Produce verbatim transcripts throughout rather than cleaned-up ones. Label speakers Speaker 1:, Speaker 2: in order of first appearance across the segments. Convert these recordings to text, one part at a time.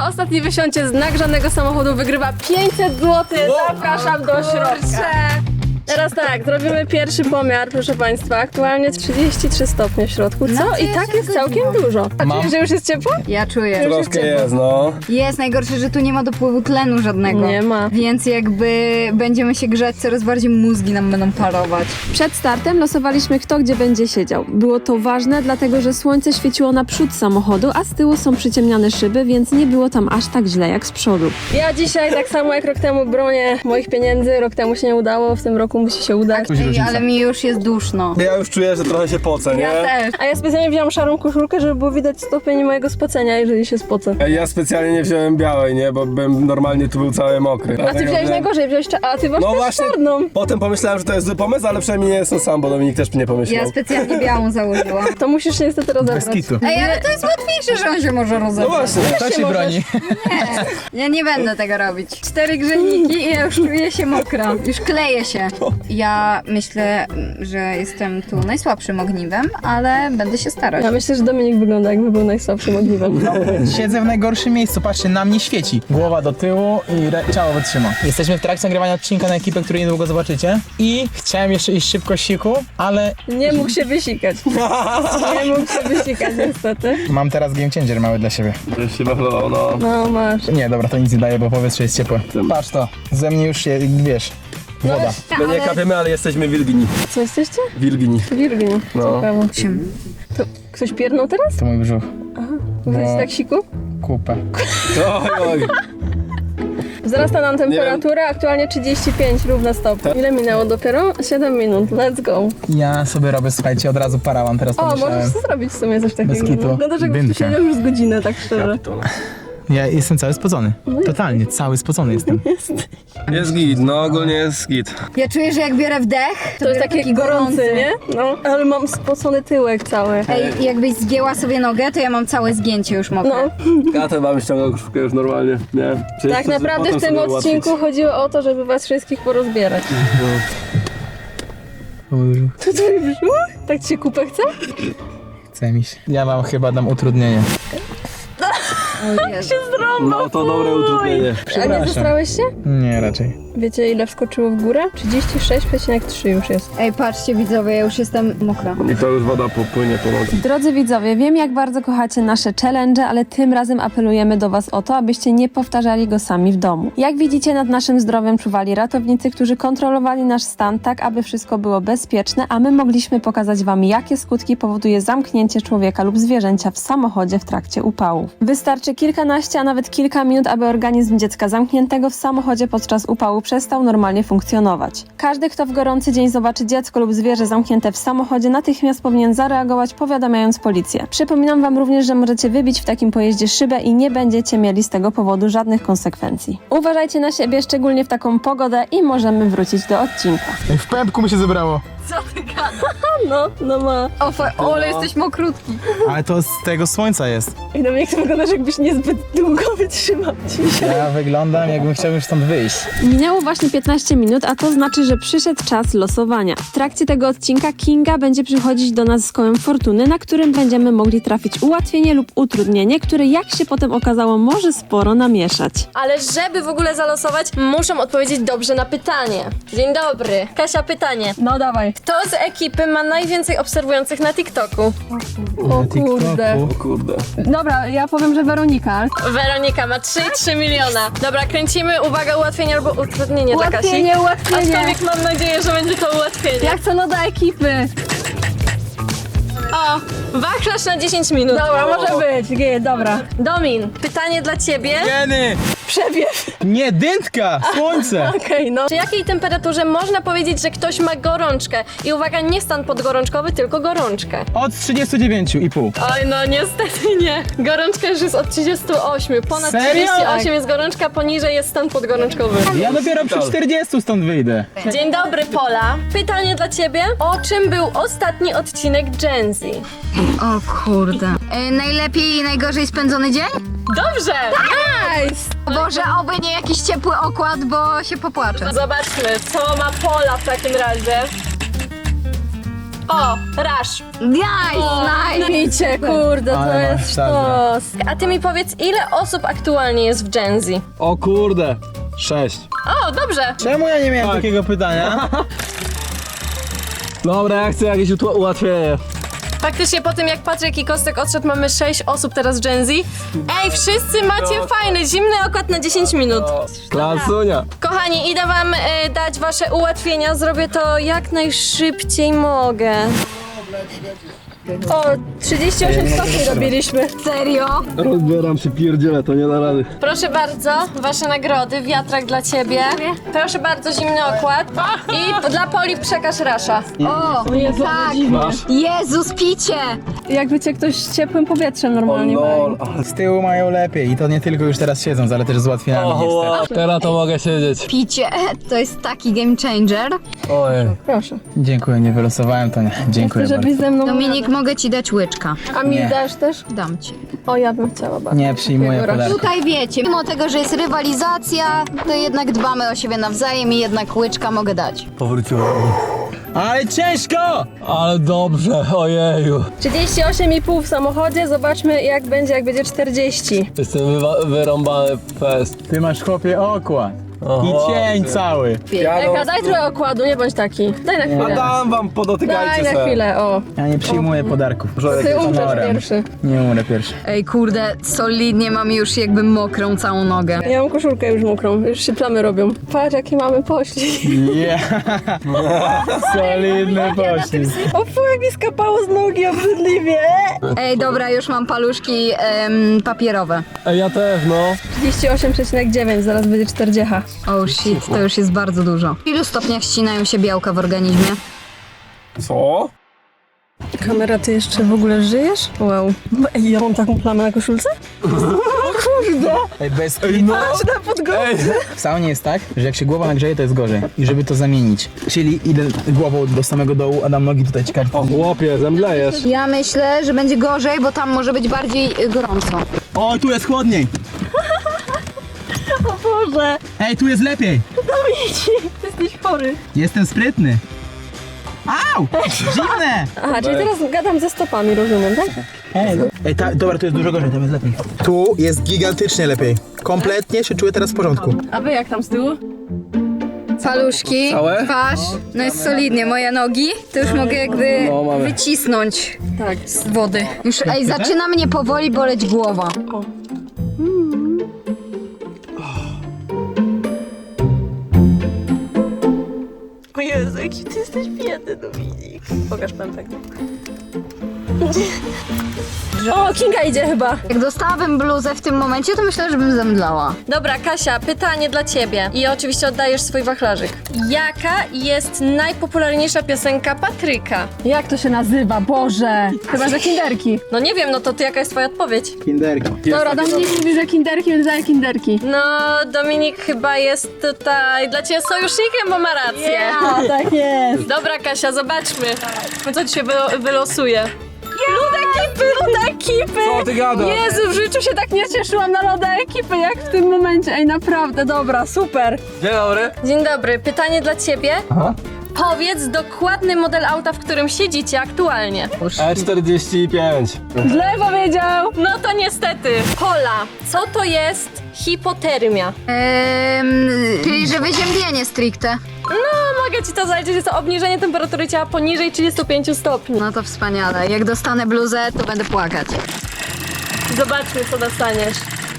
Speaker 1: Kto ostatni wysiądzie z nagrzanego samochodu wygrywa pięćset złotych. Zapraszam do środka. Teraz tak, zrobimy pierwszy pomiar, proszę Państwa. Aktualnie trzydzieści trzy stopnie w środku, co?
Speaker 2: No,
Speaker 1: I tak jest całkiem dużo. A
Speaker 3: Mam-
Speaker 1: czujesz, że już jest ciepło?
Speaker 2: Ja czuję.
Speaker 3: Troszkę jest, no.
Speaker 2: Jest najgorsze, że tu nie ma dopływu tlenu żadnego.
Speaker 1: Nie ma.
Speaker 2: Więc jakby będziemy się grzać, coraz bardziej mózgi nam będą parować.
Speaker 1: Przed startem losowaliśmy, kto gdzie będzie siedział. Było to ważne, dlatego że słońce świeciło na przód samochodu, a z tyłu są przyciemniane szyby, więc nie było tam aż tak źle jak z przodu. Ja dzisiaj, tak samo jak rok temu, bronię moich pieniędzy. Rok temu się nie udało, w tym roku musi się udać.
Speaker 2: Ej, ale mi już jest duszno.
Speaker 3: Ja już czuję, że trochę się pocę, nie?
Speaker 2: Ja też.
Speaker 1: A ja specjalnie wziąłam szarą koszulkę, żeby było widać stopień mojego spocenia, jeżeli się spocę.
Speaker 3: Ej, Ja specjalnie nie wziąłem białej, nie? Bo bym normalnie tu był cały mokry.
Speaker 1: A ty
Speaker 3: Dlatego
Speaker 1: wziąłeś
Speaker 3: wziąłem-
Speaker 1: najgorzej, wziąłeś cza- a ty masz
Speaker 3: No
Speaker 1: też
Speaker 3: właśnie,
Speaker 1: czarną.
Speaker 3: potem pomyślałem, że to jest zły pomysł, ale przynajmniej nie jestem sam, bo Dominik też nie pomyślał.
Speaker 2: Ja specjalnie białą założyłam.
Speaker 1: To musisz się niestety rozebrać.
Speaker 3: Bez kitu.
Speaker 2: Ej, ale to jest łatwiejsze, że on się może
Speaker 3: No
Speaker 2: rozebrać.
Speaker 3: właśnie.
Speaker 4: To się
Speaker 1: możesz.
Speaker 4: broni.
Speaker 2: Ja nie będę tego robić. Cztery grzejniki i ja już czuję się mokra. Już kleję się. Ja myślę, że jestem tu najsłabszym ogniwem, ale będę się starać.
Speaker 1: Ja myślę, że Dominik wygląda, jakby był najsłabszym ogniwem.
Speaker 4: Siedzę w najgorszym miejscu, patrzcie, na mnie świeci. Głowa do tyłu i re- ciało wytrzyma. Jesteśmy w trakcie nagrywania odcinka na ekipę, który niedługo zobaczycie. I chciałem jeszcze iść szybko siku, ale
Speaker 1: Nie mógł się wysikać. Nie mógł się wysikać, niestety.
Speaker 4: mam teraz game changer mały dla siebie.
Speaker 3: Już się wachlował, no.
Speaker 1: No masz.
Speaker 4: Nie, dobra, to nic nie daje, bo powietrze jest ciepłe. Patrz to, ze mnie już się, wiesz, woda.
Speaker 3: My nie kapiemy, ale jesteście wilgini.
Speaker 1: Co jesteście?
Speaker 3: Wilgini.
Speaker 1: Wirgin.
Speaker 3: No.
Speaker 1: Ciekawe.
Speaker 2: Czym?
Speaker 1: To ktoś piernął teraz?
Speaker 4: To mój brzuch.
Speaker 1: Mówisz
Speaker 4: No.
Speaker 1: tak siku?
Speaker 4: Kupę.
Speaker 3: Oj, oj.
Speaker 1: Wzrasta nam temperatura, aktualnie trzydzieści pięć równa stopni. Ile minęło dopiero? siedem minut, let's go.
Speaker 4: Ja sobie robię, słuchajcie, od razu parawan, teraz
Speaker 1: O,
Speaker 4: pomyślałem.
Speaker 1: możesz zrobić w sumie coś takiego.
Speaker 4: Bez kitu.
Speaker 1: Wyglądasz jakbyś tu
Speaker 4: Dynka.
Speaker 1: siedział już z godzinę, tak szczerze.
Speaker 4: Ja jestem cały spocony. Totalnie, cały spocony jestem.
Speaker 3: Jest git, no ogólnie jest git.
Speaker 2: Ja czuję, że jak biorę wdech,
Speaker 1: To jest
Speaker 2: biorę
Speaker 1: taki gorący, nie? No, ale mam spocony tyłek cały.
Speaker 2: Ej, jakbyś zgięła sobie nogę, to ja mam całe zgięcie już mokre.
Speaker 1: No,
Speaker 3: Ja ten wam ściągał koszulkę już normalnie, nie? Czy
Speaker 1: tak
Speaker 3: jeszcze
Speaker 1: naprawdę
Speaker 3: potem
Speaker 1: w tym
Speaker 3: sobie
Speaker 1: odcinku
Speaker 3: ułatwić?
Speaker 1: chodziło o to, żeby was wszystkich porozbierać. To twój brzuch? Tak ci się kupę chce?
Speaker 4: Chce mi się. Ja wam chyba dam utrudnienie.
Speaker 2: O Jezu.
Speaker 3: No to dobre utrudnienie.
Speaker 1: A nie
Speaker 4: Przepraszam.
Speaker 1: zestrałeś się?
Speaker 4: Nie, raczej.
Speaker 1: Wiecie ile wskoczyło w górę? trzydzieści sześć przecinek trzy już jest.
Speaker 2: Ej, patrzcie widzowie, ja już jestem mokra.
Speaker 3: I to już woda popłynie po nogach.
Speaker 1: Drodzy widzowie, wiem jak bardzo kochacie nasze challenge, ale tym razem apelujemy do was o to, abyście nie powtarzali go sami w domu. Jak widzicie, nad naszym zdrowiem czuwali ratownicy, którzy kontrolowali nasz stan tak, aby wszystko było bezpieczne, a my mogliśmy pokazać wam, jakie skutki powoduje zamknięcie człowieka lub zwierzęcia w samochodzie w trakcie upałów. Wystarczy kilkanaście, a nawet kilka minut, aby organizm dziecka zamkniętego w samochodzie podczas upału przestał normalnie funkcjonować. Każdy, kto w gorący dzień zobaczy dziecko lub zwierzę zamknięte w samochodzie, natychmiast powinien zareagować, powiadamiając policję. Przypominam wam również, że możecie wybić w takim pojeździe szybę i nie będziecie mieli z tego powodu żadnych konsekwencji. Uważajcie na siebie, szczególnie w taką pogodę i możemy wrócić do odcinka.
Speaker 4: Ej, w pępku mi się zebrało.
Speaker 1: No, no ma.
Speaker 2: O, fa- o, ale jesteś mokrutki.
Speaker 4: Ale to z tego słońca jest.
Speaker 1: I na mnie jak wyglądasz, jakbyś niezbyt długo wytrzymał dzisiaj.
Speaker 4: Ja wyglądam, jakbym chciał już stąd wyjść.
Speaker 1: Minęło właśnie piętnaście minut, a to znaczy, że przyszedł czas losowania. W trakcie tego odcinka Kinga będzie przychodzić do nas z kołem fortuny, na którym będziemy mogli trafić ułatwienie lub utrudnienie, które jak się potem okazało może sporo namieszać.
Speaker 5: Ale żeby w ogóle zalosować, muszą odpowiedzieć dobrze na pytanie. Dzień dobry. Kasia, pytanie.
Speaker 1: No dawaj.
Speaker 5: Kto z ekipy ma najwięcej obserwujących na TikToku?
Speaker 1: O kurde.
Speaker 3: O kurde.
Speaker 1: Dobra, ja powiem, że Weronika.
Speaker 5: Weronika ma trzy i trzy miliona. Dobra, kręcimy. Uwaga, ułatwienie albo utrudnienie dla Kasi.
Speaker 1: Ułatwienie, ułatwienie.
Speaker 5: Aczkolwiek mam nadzieję, że będzie to ułatwienie.
Speaker 1: Ja chcę no do ekipy.
Speaker 5: O, wachlarz na dziesięć minut.
Speaker 1: Dobra, może być. G, dobra.
Speaker 5: Domin, pytanie dla ciebie.
Speaker 4: Jeny!
Speaker 1: Przewiew.
Speaker 4: Nie, dętka! Słońce!
Speaker 1: Okej, no.
Speaker 5: Przy jakiej temperaturze można powiedzieć, że ktoś ma gorączkę? I uwaga, nie stan podgorączkowy, tylko gorączkę.
Speaker 4: Od trzydziestu dziewięciu i pół.
Speaker 5: Oj, no niestety nie. Gorączka już jest od trzydziestu ośmiu. Ponad
Speaker 4: Serio?
Speaker 5: trzydzieści osiem jest gorączka, poniżej jest stan podgorączkowy.
Speaker 4: Ja dopiero przy czterdziestu stąd wyjdę.
Speaker 5: Dzień dobry, Pola. Pytanie dla ciebie. O czym był ostatni odcinek Gen Z?
Speaker 2: O kurde. E, najlepiej i najgorzej spędzony dzień?
Speaker 5: Dobrze!
Speaker 1: Nice.
Speaker 2: Boże, oby nie jakiś ciepły okład, bo się popłaczę.
Speaker 5: Zobaczmy, co ma Pola w takim razie. O, Rush.
Speaker 2: Nice, nice.
Speaker 1: Picie, kurde, to
Speaker 4: Ale masz
Speaker 1: jest
Speaker 4: sztabę.
Speaker 1: sztos.
Speaker 5: A ty mi powiedz, ile osób aktualnie jest w Gen Z?
Speaker 3: O kurde. Sześć.
Speaker 5: O, dobrze.
Speaker 4: Czemu ja nie miałem
Speaker 3: Tak.
Speaker 4: takiego pytania?
Speaker 3: Dobra, ja chcę jakieś utła- ułatwienie.
Speaker 5: Faktycznie po tym jak Patryk i Kostek odszedł, mamy sześć osób teraz w Gen Z. Ej, wszyscy macie fajny, zimny okład na dziesięć minut.
Speaker 3: Klasunia.
Speaker 5: Kochani, idę wam e, dać wasze ułatwienia. Zrobię to jak najszybciej mogę.
Speaker 1: O, trzydzieści osiem stopni robiliśmy.
Speaker 2: Serio?
Speaker 3: Rozbieram się, pierdzielę, to nie da rady.
Speaker 5: Proszę bardzo, wasze nagrody. Wiatrak dla ciebie. Proszę bardzo, zimny okład. I dla Poli przekaż Rasza.
Speaker 2: O, tak.
Speaker 3: Masz?
Speaker 2: Jezus, picie.
Speaker 1: Jakby cię ktoś z ciepłym powietrzem
Speaker 3: O
Speaker 1: normalnie
Speaker 3: lol.
Speaker 4: Z tyłu mają lepiej i to nie tylko już teraz siedząc, ale też z ułatwieniami niestety.
Speaker 3: Teraz to mogę siedzieć.
Speaker 2: Picie, to jest taki game changer.
Speaker 3: Ojej.
Speaker 1: Proszę.
Speaker 4: Dziękuję, nie wylosowałem to nie. Dziękuję bardzo.
Speaker 1: Żebyś ze mną...
Speaker 2: Dominik, mogę ci dać łyczka.
Speaker 1: A mi
Speaker 4: Nie.
Speaker 1: dasz też?
Speaker 2: Dam ci.
Speaker 1: O, ja bym chciała bardzo.
Speaker 4: Nie przyjmuję
Speaker 1: Takiego
Speaker 4: podarku.
Speaker 2: Tutaj wiecie, mimo tego, że jest rywalizacja, to jednak dbamy o siebie nawzajem i jednak łyczka mogę dać.
Speaker 3: Powróciłem.
Speaker 4: Ale ciężko!
Speaker 3: Ale dobrze, ojeju.
Speaker 1: trzydzieści osiem i pół w samochodzie, zobaczmy jak będzie, jak będzie czterdzieści.
Speaker 3: Jestem wywa- wyrąbany fest.
Speaker 4: Ty masz chłopie okład.
Speaker 3: Oho.
Speaker 4: I cień cały.
Speaker 1: Eka, daj trochę okładu, nie bądź taki. Daj na
Speaker 3: A
Speaker 1: chwilę.
Speaker 3: dam wam,
Speaker 1: Daj
Speaker 3: podotykajcie
Speaker 1: na
Speaker 3: se.
Speaker 1: chwilę, o.
Speaker 4: Ja nie przyjmuję podarków.
Speaker 1: Ty umrzesz
Speaker 4: Honorem.
Speaker 1: pierwszy.
Speaker 4: Nie umrę pierwszy.
Speaker 2: Ej, kurde, solidnie mam już jakby mokrą całą nogę.
Speaker 1: Ja mam koszulkę już mokrą, już się plamy robią. Patrz jakie mamy poślizg.
Speaker 4: Yeah. Solidny poślizg.
Speaker 1: O fu, jak mi skapało z nogi obrzydliwie.
Speaker 2: Ej, dobra, już mam paluszki em, papierowe.
Speaker 3: Ej, ja też, no.
Speaker 1: trzydzieści osiem przecinek dziewięć, zaraz będzie czterdzieści.
Speaker 2: Oh shit, to już jest bardzo dużo. W ilu stopniach ścinają się białka w organizmie?
Speaker 3: Co?
Speaker 1: Kamera, ty jeszcze w ogóle żyjesz? Wow. Ej, ja mam taką plamę na koszulce?
Speaker 4: Ej, bez
Speaker 3: no.
Speaker 1: Na podgórze.
Speaker 3: Ej,
Speaker 4: W saunie jest tak, że jak się głowa nagrzeje, to jest gorzej. I żeby to zamienić. Czyli idę głową do samego dołu, a dam nogi tutaj ciekawe.
Speaker 3: o chłopie, zemdlejesz.
Speaker 2: Ja myślę, że będzie gorzej, bo tam może być bardziej y, gorąco.
Speaker 4: O, tu jest chłodniej!
Speaker 1: O Boże.
Speaker 4: Ej, tu jest lepiej!
Speaker 1: Dominik, ty jesteś chory.
Speaker 4: Jestem sprytny. Au! Zimne!
Speaker 1: Aha, czyli teraz gadam ze stopami, rozumiem, tak?
Speaker 4: Ej, Ej ta, dobra, tu jest dużo gorzej, tam jest lepiej. Tu jest gigantycznie lepiej. Kompletnie się czuję teraz w porządku.
Speaker 1: A wy jak tam z tyłu?
Speaker 2: Paluszki,
Speaker 3: Całe?
Speaker 2: twarz, no jest solidnie. Moje nogi, to już mogę jakby
Speaker 3: No, mamy.
Speaker 2: wycisnąć
Speaker 1: Tak.
Speaker 2: z wody. Już, ej, zaczyna mnie powoli boleć głowa.
Speaker 1: O Jezu, jaki ty jesteś biedny, Dominik. Pokaż pępek. O, Kinga idzie chyba.
Speaker 2: Jak dostałabym bluzę w tym momencie, to myślę, że bym zemdlała.
Speaker 5: Dobra, Kasia, pytanie dla ciebie. I oczywiście oddajesz swój wachlarzyk. Jaka jest najpopularniejsza piosenka Patryka?
Speaker 1: Jak to się nazywa? Boże. Chyba, że kinderki.
Speaker 5: No nie wiem, no to ty jaka jest twoja odpowiedź?
Speaker 4: Kinderki.
Speaker 1: Dobra, Dominik mówi, że kinderki, więc daję kinderki.
Speaker 5: No, Dominik chyba jest tutaj dla ciebie sojusznikiem, bo ma rację.
Speaker 1: A, tak jest.
Speaker 5: Dobra, Kasia, zobaczmy, co ci się wylo- wylosuje. Lud ekipy, lud ekipy!
Speaker 3: Co ty gadasz?
Speaker 1: Jezu, w życiu się tak nie cieszyłam na loda ekipy, jak w tym momencie. Ej, naprawdę, dobra, super.
Speaker 3: Dzień dobry.
Speaker 5: Dzień dobry, pytanie dla ciebie.
Speaker 3: Aha.
Speaker 5: Powiedz dokładny model auta, w którym siedzicie aktualnie.
Speaker 3: E czterdzieści pięć.
Speaker 1: Źle powiedział.
Speaker 5: No to niestety. Pola, co to jest hipotermia?
Speaker 2: Ehm, czyli, że wyziębienie stricte.
Speaker 5: No, mogę ci to zaliczyć, jest to obniżenie temperatury ciała poniżej trzydziestu pięciu stopni.
Speaker 2: No to wspaniale. Jak dostanę bluzę, to będę płakać.
Speaker 5: Zobaczmy, co dostaniesz.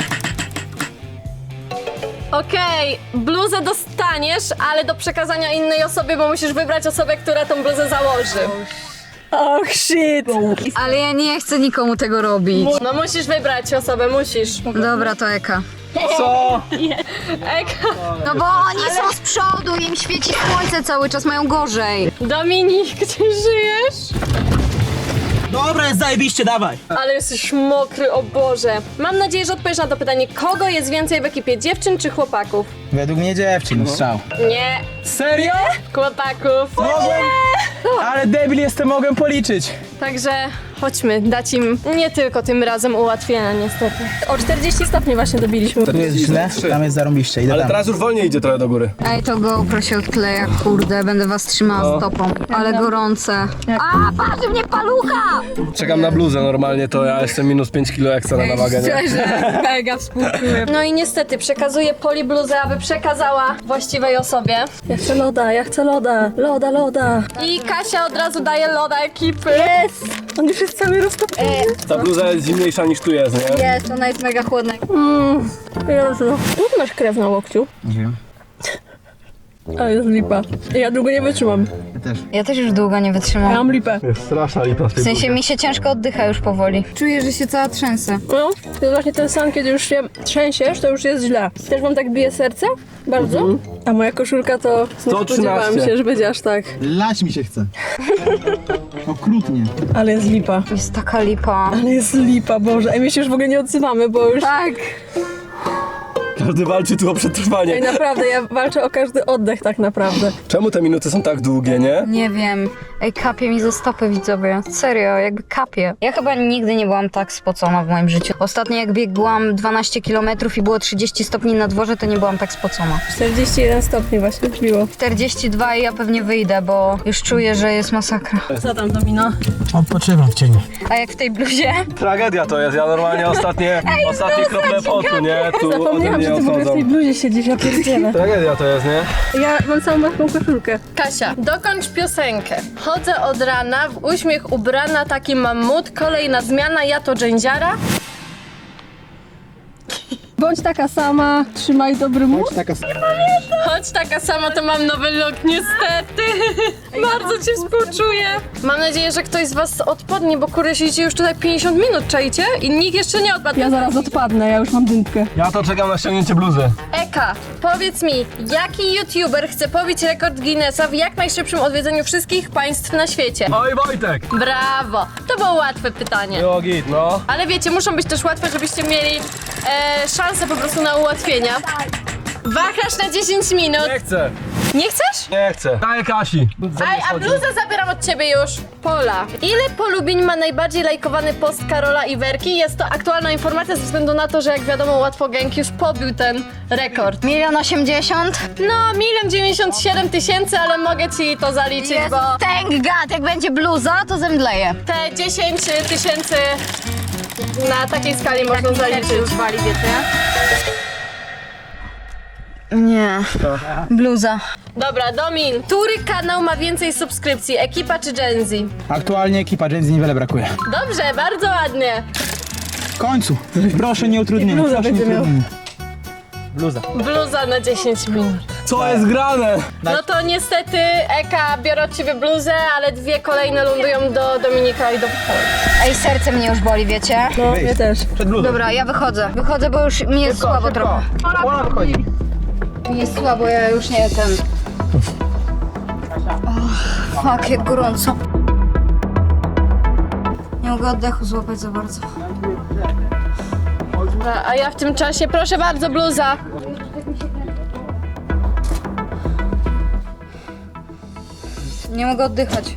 Speaker 5: Okej, bluzę dostaniesz, ale do przekazania innej osobie, bo musisz wybrać osobę, która tą bluzę założy.
Speaker 1: Och, shit.
Speaker 2: Ale ja nie chcę nikomu tego robić.
Speaker 5: No musisz wybrać osobę, musisz.
Speaker 2: Dobra, to Eka.
Speaker 3: Co?
Speaker 5: Eka,
Speaker 2: No bo oni są z przodu, im świeci słońce cały czas, mają gorzej.
Speaker 5: Dominik, gdzie żyjesz?
Speaker 4: Dobra, jest zajebiście, dawaj!
Speaker 5: Ale jesteś mokry, o Boże. Mam nadzieję, że odpowiesz na to pytanie, kogo jest więcej w ekipie, dziewczyn czy chłopaków?
Speaker 4: Według mnie dziewczyn, strzał.
Speaker 5: Nie,
Speaker 4: Serio?
Speaker 5: chłopaków.
Speaker 4: Mogłem, Ale debil jestem, mogę policzyć.
Speaker 5: Także chodźmy, dać im nie tylko tym razem ułatwienia niestety. O czterdzieści stopni właśnie dobiliśmy.
Speaker 4: Tu jest źle, tam jest zarąbiście, idę
Speaker 3: Ale
Speaker 4: tam.
Speaker 3: teraz już wolniej idzie trochę do góry.
Speaker 2: Ej, to GoPro się odkleja, kurde, będę was trzymała stopą. Ale gorące. A, patrz mnie palucha!
Speaker 3: Czekam na bluzę normalnie, to ja jestem minus pięć kilo ekstra na wagę, nie?
Speaker 2: Szczerze, mega współczuję.
Speaker 5: No i niestety przekazuję Poli bluzę, aby przekazała właściwej osobie. Ja chcę loda, ja chcę loda, loda, loda. I Kasia od razu daje loda ekipy. Jest! On już jest cały roztopiony.
Speaker 3: Ta bluza jest zimniejsza niż tu jest, nie?
Speaker 2: Jest, ona jest mega chłodna.
Speaker 5: Mm, Jezu. Skąd masz krew na łokciu?
Speaker 4: Nie wiem.
Speaker 5: Ale jest lipa. Ja długo nie wytrzymam.
Speaker 4: Ja też.
Speaker 2: Ja też już długo nie
Speaker 5: Ja
Speaker 2: wytrzymam.
Speaker 5: mam lipę.
Speaker 3: Jest straszna lipa z tej
Speaker 2: W sensie mi się ciężko oddycha już powoli. Czuję, że się cała trzęsę.
Speaker 5: No, to jest właśnie ten sam, kiedy już się trzęsiesz, to już jest źle. Też wam tak bije serce? Bardzo? A moja koszulka to nie
Speaker 3: sto
Speaker 5: spodziewałam
Speaker 3: trzynaście.
Speaker 5: się, że będzie aż tak.
Speaker 4: Lać mi się chce. Okrutnie.
Speaker 5: Ale jest lipa.
Speaker 2: Jest taka lipa.
Speaker 5: Ale jest lipa, Boże. Ej, my się już w ogóle nie odzywamy, bo już...
Speaker 2: Tak.
Speaker 3: Każdy walczy tu o
Speaker 5: Ej,
Speaker 3: przetrwanie.
Speaker 5: naprawdę, ja walczę o każdy oddech tak naprawdę.
Speaker 3: Czemu te minuty są tak długie, nie?
Speaker 2: Nie wiem. Ej, kapie mi ze stopy, widzowie. Serio, jakby kapie. Ja chyba nigdy nie byłam tak spocona w moim życiu. Ostatnio jak biegłam dwanaście kilometrów i było trzydzieści stopni na dworze, to nie byłam tak spocona.
Speaker 5: czterdzieści jeden stopni właśnie wbiło.
Speaker 2: czterdzieści dwa i ja pewnie wyjdę, bo już czuję, że jest masakra.
Speaker 5: Co tam, Domino?
Speaker 4: Odpoczywam w cieniu.
Speaker 2: A jak w tej bluzie?
Speaker 3: Tragedia to jest, ja normalnie ostatnie, ostatnie krople potu, nie? Tu ode
Speaker 5: Zapomniałam, że
Speaker 3: mnie
Speaker 5: ty w ogóle w tej
Speaker 3: odchodzą.
Speaker 5: bluzie siedzisz, ja pierdzielę.
Speaker 3: Tragedia to jest, nie?
Speaker 5: Ja mam całą maską koszulkę. Kasia, dokończ piosenkę. Chodzę od rana, w uśmiech ubrana, taki mam mód, kolejna zmiana, ja to dżędziara. Bądź taka sama, trzymaj dobry mód.
Speaker 4: Taka
Speaker 5: Chodź taka sama, to mam nowy look, niestety. Bardzo cię współczuję. Mam nadzieję, że ktoś z was odpadnie, bo kurde siedzicie już tutaj pięćdziesiąt minut, czajcie? I nikt jeszcze nie odpadł.
Speaker 1: Ja zaraz odpadnę, ja już mam dymkę.
Speaker 3: Ja to czekam na ściągnięcie bluzy.
Speaker 5: Eka, powiedz mi, jaki youtuber chce pobić rekord Guinnessa w jak najszybszym odwiedzeniu wszystkich państw na świecie?
Speaker 3: Oj Wojtek!
Speaker 5: Brawo! To było łatwe pytanie.
Speaker 3: Jo, git, no.
Speaker 5: Ale wiecie, muszą być też łatwe, żebyście mieli e, szansę po prostu na ułatwienia. Wahasz na dziesięć minut.
Speaker 3: Nie chcę,
Speaker 5: Nie chcesz?
Speaker 3: nie chcę. Daję Kasi.
Speaker 5: Aj, a bluzę zabieram od ciebie już. Pola. Ile polubień ma najbardziej lajkowany post Karola i Werki? Jest to aktualna informacja ze względu na to, że jak wiadomo łatwo gang już pobił ten rekord.
Speaker 2: Milion osiemdziesiąt?
Speaker 5: No, milion dziewięćdziesiąt siedem tysięcy, ale mogę ci to zaliczyć,
Speaker 2: Jest,
Speaker 5: bo
Speaker 2: thank God, jak będzie bluza, to zemdleję.
Speaker 5: te dziesięć tysięcy na takiej skali można zaliczyć.
Speaker 2: Wali, wiecie? Nie. Bluza.
Speaker 5: Dobra, Domin, który kanał ma więcej subskrypcji, Ekipa czy Gen Z?
Speaker 4: Aktualnie ekipa Gen Z niewiele brakuje.
Speaker 5: Dobrze, bardzo ładnie.
Speaker 4: W końcu. Proszę nie utrudnienie.
Speaker 5: bluza
Speaker 4: Proszę nie
Speaker 5: będzie miał.
Speaker 4: utrudnienie. Bluza.
Speaker 5: Bluza na dziesięć minut.
Speaker 3: Co jest grane?
Speaker 5: No to niestety Eka biorę od ciebie bluzę, ale dwie kolejne lądują do Dominika i do Poli.
Speaker 2: Ej, serce mnie już boli, wiecie?
Speaker 5: No,
Speaker 4: Wyjdź.
Speaker 5: mnie też.
Speaker 4: Przed bluzą.
Speaker 2: Dobra, ja wychodzę. Wychodzę, bo już mi jest słabo trochę.
Speaker 4: Ona wychodzi.
Speaker 2: Mi jest słabo, ja już nie ten... Oh, fuck, jak gorąco. Nie mogę oddechu złapać za bardzo.
Speaker 5: Dobra, a ja w tym czasie, proszę bardzo, bluza.
Speaker 2: Nie mogę oddychać.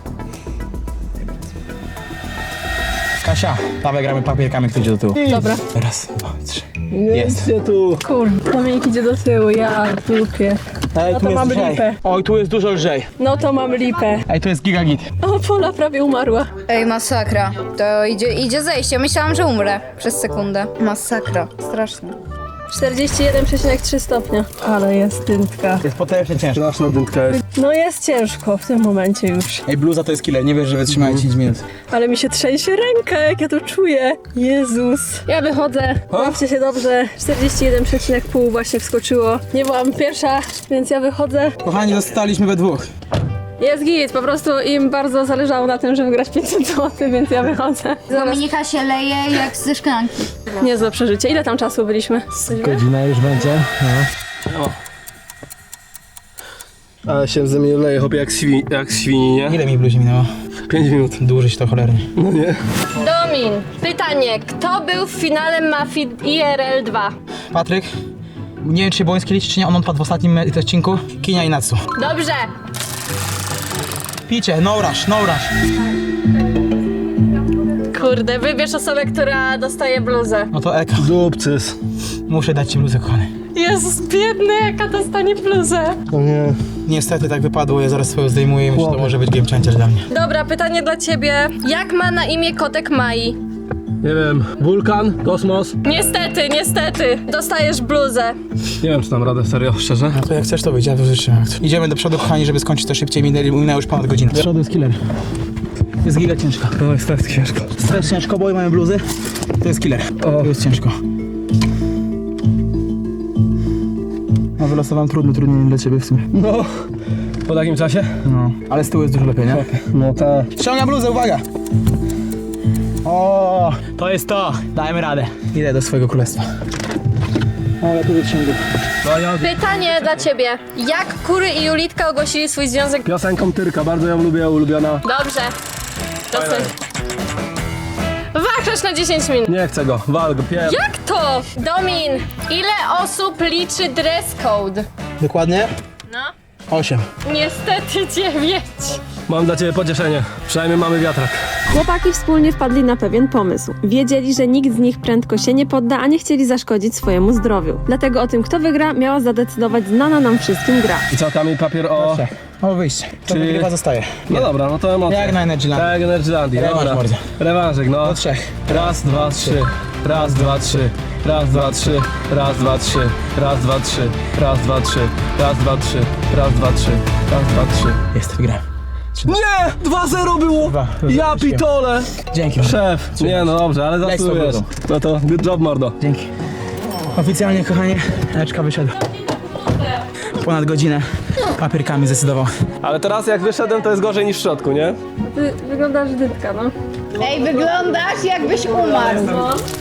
Speaker 4: Kasia, dawaj gramy papierkami, kto idzie do tyłu.
Speaker 5: Dobra.
Speaker 4: Raz, dwa, trzy. Jest.
Speaker 3: Gdzie tu?
Speaker 5: Kurde, Dominik idzie do tyłu, ja dupie.
Speaker 4: Ej,
Speaker 5: No
Speaker 4: tu
Speaker 5: to
Speaker 4: jest
Speaker 5: mamy
Speaker 4: lżej.
Speaker 5: lipę.
Speaker 4: Oj, tu jest dużo lżej.
Speaker 5: No to mam lipę.
Speaker 4: Ej, tu jest gigagit.
Speaker 5: O, Pola prawie umarła.
Speaker 2: Ej, masakra. To idzie, idzie zejście. Myślałam, że umrę przez sekundę. Masakra. Strasznie.
Speaker 5: czterdzieści jeden przecinek trzy stopnia. Ale jest dyntka.
Speaker 4: Jest potężnie ciężko.
Speaker 3: Straszna dynka jest.
Speaker 5: No jest ciężko w tym momencie już.
Speaker 4: Ej, bluza to jest killer, nie wiesz, że wytrzymałem dziesięć minut.
Speaker 5: Ale mi się trzęsie ręka, jak ja to czuję. Jezus. Ja wychodzę. Bawcie się dobrze. czterdzieści jeden przecinek pięć właśnie wskoczyło. Nie byłam pierwsza, więc ja wychodzę.
Speaker 4: Kochani, zostaliśmy we dwóch.
Speaker 5: Jest git, po prostu im bardzo zależało na tym, żeby grać pięćset złotych, więc ja wychodzę.
Speaker 2: Dominika się leje jak ze szklanki.
Speaker 5: Niezłe przeżycie. Ile tam czasu byliśmy?
Speaker 4: Godzina już będzie. No.
Speaker 3: Ale się ze mnie leje, chłopie, jak, świni, jak świni, nie?
Speaker 4: Ile mi bluzie minęło?
Speaker 3: Pięć minut.
Speaker 4: Dłużyć to cholernie.
Speaker 3: No nie?
Speaker 5: Domin, pytanie. Kto był w finale Mafii I R L dwa?
Speaker 4: Patryk, nie wiem, czy Błoński liczy, czy nie, on odpadł w ostatnim e, odcinku. Kinia i Natsu.
Speaker 5: Dobrze.
Speaker 4: Picie, no rush, no rush.
Speaker 5: Kurde, wybierz osobę, która dostaje bluzę.
Speaker 4: No to Eka.
Speaker 3: Dupcys.
Speaker 4: Muszę dać ci bluzę, kochany.
Speaker 5: Jezus, biedny, jaka dostanie bluzę.
Speaker 3: No nie.
Speaker 4: Niestety tak wypadło, ja zaraz swoją zdejmuję i myślę, że to może być game changer dla mnie.
Speaker 5: Dobra, pytanie dla ciebie. Jak ma na imię kotek Mai?
Speaker 3: Nie wiem, wulkan, kosmos.
Speaker 5: Niestety, niestety, dostajesz bluzę.
Speaker 3: Nie wiem, czy dam radę, serio, szczerze.
Speaker 4: No to jak chcesz, to wyjdzie, ja to wytrzymam. Idziemy do przodu, kochani, żeby skończyć to szybciej. Minęli- Minęła już ponad godzinę. Do przodu jest killer. Jest giga ciężko.
Speaker 3: No jest tak ciężko.
Speaker 4: To jest ciężko, bo mamy bluzy. To jest killer. To jest ciężko. No wylosowałem trudno, trudniej dla ciebie w sumie.
Speaker 3: No, po takim czasie?
Speaker 4: No, ale z tyłu jest dużo lepiej, nie?
Speaker 3: No tak.
Speaker 4: Ściągam bluzę, uwaga! O, to jest to. Dajmy radę. Idę do swojego królestwa. O, ja tu wyciągam.
Speaker 3: No ja
Speaker 5: Pytanie dla ciebie. Jak Kury i Julitka ogłosili swój związek?
Speaker 3: piosenką Tyrka, bardzo ją lubię, ulubiona.
Speaker 5: Dobrze. Dosyć. Wachlarz na dziesięć minut.
Speaker 3: Nie chcę go, wal go, pier...
Speaker 5: Jak to? Domin, ile osób liczy dress code?
Speaker 4: Dokładnie?
Speaker 5: No.
Speaker 4: Osiem.
Speaker 5: Niestety dziewięć.
Speaker 3: Mam dla ciebie pocieszenie. Przynajmniej mamy wiatrak.
Speaker 1: Chłopaki wspólnie wpadli na pewien pomysł. Wiedzieli, że nikt z nich prędko się nie podda, a nie chcieli zaszkodzić swojemu zdrowiu. Dlatego o tym, kto wygra, miała zadecydować znana nam wszystkim gra.
Speaker 3: I co, kamień, papier, o...
Speaker 4: O, wyjście. To
Speaker 3: Czy-
Speaker 4: wygrywa, zostaje.
Speaker 3: No dobra, no to emocje.
Speaker 4: Jak na Energyland.
Speaker 3: Tak, Energylandii,
Speaker 4: Rewanż
Speaker 3: dobra.
Speaker 4: mordo.
Speaker 3: Rewanżyk, no.
Speaker 4: Do trzech.
Speaker 3: Raz, dwa, trzy. Raz, dwa, trzy. Raz, dwa, trzy. Raz, dwa, trzy. Raz, dwa, trzy. Raz, dwa, trzy. Raz, dwa, trzy. Raz, dwa, trzy. Raz, dwa, trzy.
Speaker 4: Jest, wygrałem.
Speaker 3: Nie! dwa zero było!
Speaker 4: Dwa.
Speaker 3: Ja pitole!
Speaker 4: Dzięki.
Speaker 3: Szef! Nie no dobrze, ale
Speaker 4: Leć
Speaker 3: zasłujesz.
Speaker 4: z
Speaker 3: No to good job, mordo.
Speaker 4: Dzięki. Oficjalnie, kochanie, Eczka wyszedł. Ponad godzinę papierkami zdecydował.
Speaker 3: Ale teraz jak wyszedłem, to jest gorzej niż w środku, nie?
Speaker 1: Ty wyglądasz dytka, no.
Speaker 2: Ej, wyglądasz jakbyś umarł.